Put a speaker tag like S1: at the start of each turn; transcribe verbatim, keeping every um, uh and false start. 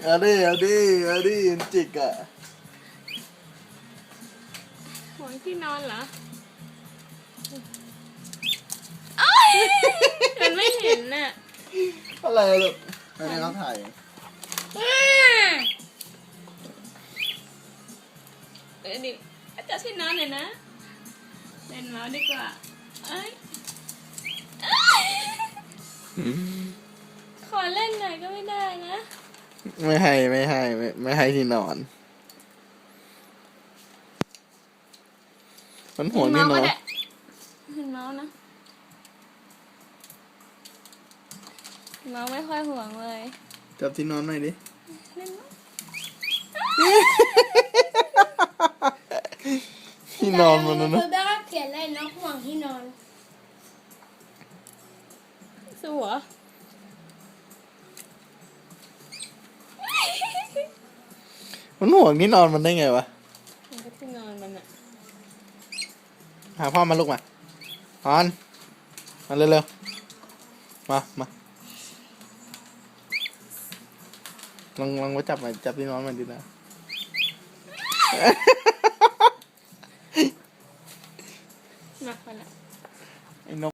S1: เอาดิเอาดิเอาดิจิกอ่ะ
S2: ห่วงที่นอนเหรอมันไม่เห็นน่ะ
S1: อะไรลูกไม่ได้เขาถ่าย
S2: เดี๋ยวดิจับที่นอนหน่อยนะเล่นเมาส์ดีกว่าเอ้ยขอเล่นหน่อยก็ไม่ได้นะ
S1: ไม่ให้ไม่ให้ไม่ไม่ให้ที่นอนมันห่วงที่นอน
S2: เห็นเมาส์นะเมาส์ไม่ค่อยห่วงเลย
S1: จับที่นอนหน่อยดิ
S2: เล่นเมาส์
S1: ที่นอนมันนะนะ
S3: แม่ก็เขียนเลยนกห่วงที่นอน
S2: สัว
S1: มันห่วงที่นอนมันได้ไงวะ
S2: มันก็ที่นอนมันอะ
S1: หาพ่อมาลูกมาพอนมาเร็วๆมามาลองลองไปจับมาจับที่นอนมันดูนะ
S2: มาคนละ